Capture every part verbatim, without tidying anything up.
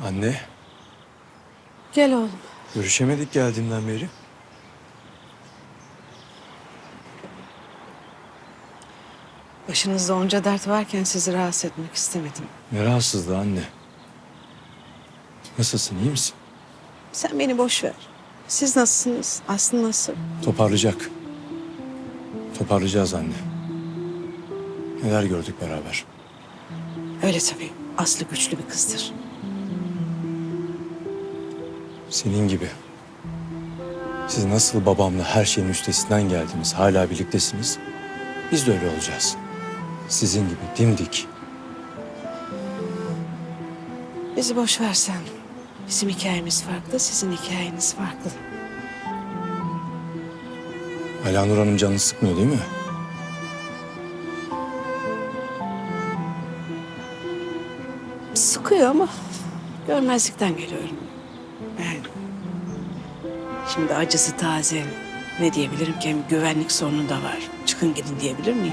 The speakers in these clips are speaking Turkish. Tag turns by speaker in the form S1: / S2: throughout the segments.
S1: Anne,
S2: Gel oğlum.
S1: görüşemedik geldiğimden beri.
S2: Başınızda onca dert varken sizi rahatsız etmek istemedim.
S1: Ne rahatsızlığı anne. Nasılsın, iyi misin?
S2: Sen beni boş ver. Siz nasılsınız? Aslı nasıl?
S1: Toparlayacak. Toparlayacağız anne. Neler gördük beraber.
S2: Öyle tabii. Aslı güçlü bir kızdır.
S1: Senin gibi. Siz nasıl babamla her şeyin üstesinden geldiniz, hala birliktesiniz. Biz de öyle olacağız. Sizin gibi dimdik.
S2: Bizi boş versen. Bizim hikayemiz farklı, sizin hikayeniz farklı.
S1: Alanur Hanım canını sıkmıyor değil mi?
S2: Sıkıyor ama görmezlikten geliyorum. Yani şimdi acısı taze. Ne diyebilirim ki? Hem güvenlik sorunu da var. Çıkın gidin diyebilir miyim?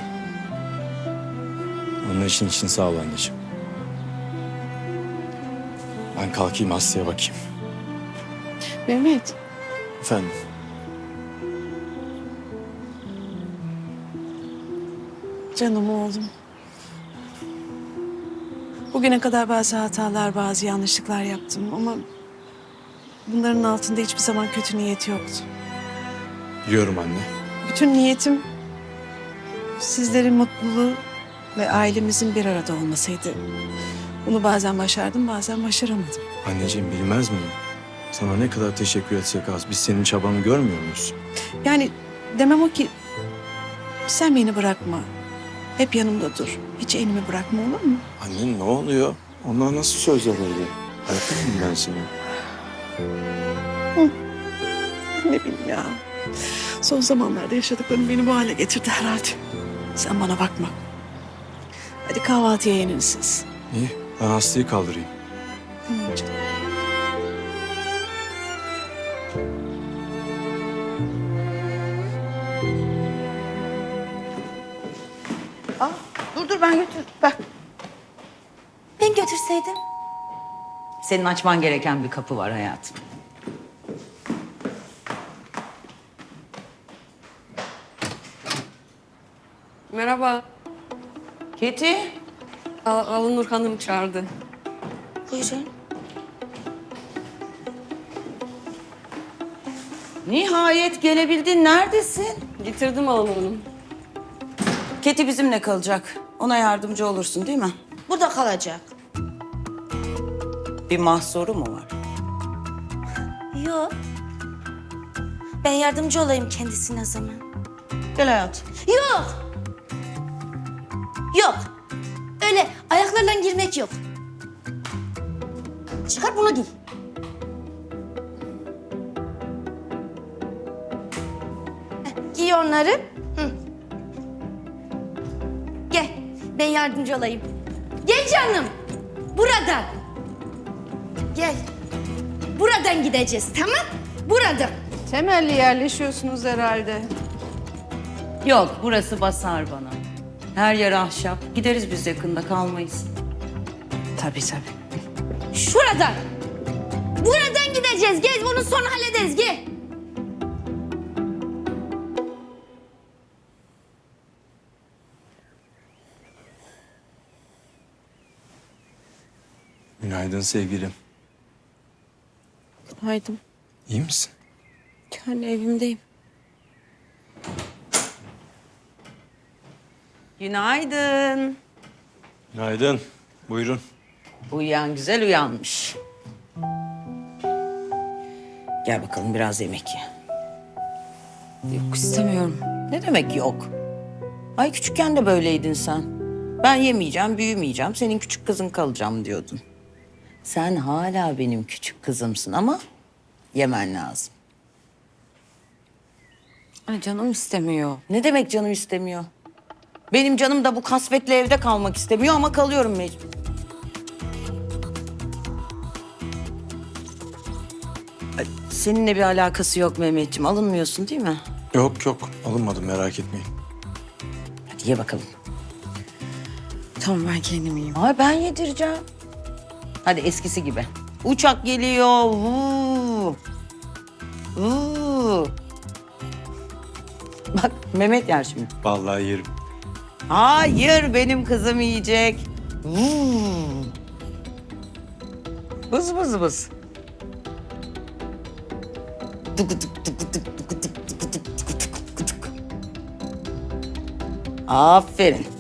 S1: Onun için için sağ ol anneciğim. Ben kalkayım Aslı'ya bakayım.
S2: Mehmet.
S1: Efendim?
S2: Canım oğlum. Bugüne kadar bazı hatalar, bazı yanlışlıklar yaptım ama bunların altında hiçbir zaman kötü niyet yoktu.
S1: Biliyorum anne.
S2: Bütün niyetim sizlerin mutluluğu ve ailemizin bir arada olmasıydı. Bunu bazen başardım, bazen başaramadım.
S1: Anneciğim bilmez miyim? Sana ne kadar teşekkür etsek az. Biz senin çabanı görmüyor muyuz?
S2: Yani demem o ki sen beni bırakma. Hep yanımda dur. Hiç elimi bırakma, olur mu?
S1: Anne ne oluyor? Onlar nasıl sözler öyle? Bırakır mıyım ben seni?
S2: Ne bileyim ya. Son zamanlarda yaşadıklarım beni bu hale getirdi herhalde. Sen bana bakma. Hadi kahvaltıya yenin siz.
S1: İyi, ben Aslı'yı kaldırayım.
S2: Tamam canım.
S3: Aa, dur dur ben götür. Bak.
S4: Ben götürseydim.
S3: Senin açman gereken bir kapı var hayatım.
S5: Merhaba.
S3: Keti.
S5: Al Alınur Hanım çağırdı.
S4: Buyurun.
S3: Nihayet gelebildin. Neredesin?
S5: Getirdim Alınur Hanım.
S3: Keti bizimle kalacak. Ona yardımcı olursun değil mi?
S4: Burada kalacak.
S3: Bir mahsuru mu var?
S4: Yok. Ben yardımcı olayım kendisine o zaman.
S3: Gel hayatım.
S4: Yok. Yok. Öyle ayaklarla girmek yok. Çıkar bunu giy. Heh, giy onları. Hı. Gel. Ben yardımcı olayım. Gel canım. Buradan. Gel. Buradan gideceğiz, tamam? Buradan.
S2: Temelli yerleşiyorsunuz herhalde.
S3: Yok, burası basar bana. Her yer ahşap. Gideriz biz yakında, kalmayız.
S2: Tabii tabii.
S4: Şuradan. Buradan gideceğiz. Gel, bunu sonra hallederiz. Gel.
S1: Günaydın sevgilim.
S2: Haydi.
S1: İyi misin?
S2: Yani evimdeyim.
S3: Günaydın.
S1: Günaydın. Buyurun.
S3: Uyuyan güzel uyanmış. Gel bakalım biraz yemek ye.
S2: Yok istemiyorum.
S3: Ne demek yok? Ay küçükken de böyleydin sen. Ben yemeyeceğim, büyümeyeceğim, senin küçük kızın kalacağım diyordun. Sen hala benim küçük kızımsın ama yemen lazım.
S2: Ay canım istemiyor.
S3: Ne demek canım istemiyor? Benim canım da bu kasvetli evde kalmak istemiyor ama kalıyorum mecbur. Ay, seninle bir alakası yok Mehmetciğim. Alınmıyorsun değil mi?
S1: Yok yok alınmadım merak etmeyin.
S3: Hadi ye bakalım.
S2: Tamam ben kendim yiyeyim.
S3: Ay ben yedireceğim. Hadi eskisi gibi. Uçak geliyor. Vuu. Vuu. Bak Mehmet yer şimdi.
S1: Vallahi yerim.
S3: Hayır, benim kızım yiyecek. Vuu. Bız bız bız. Tıkı tık tıkı tık tıkı tık tıkı tık tıkı tık tıkı tık. Aferin.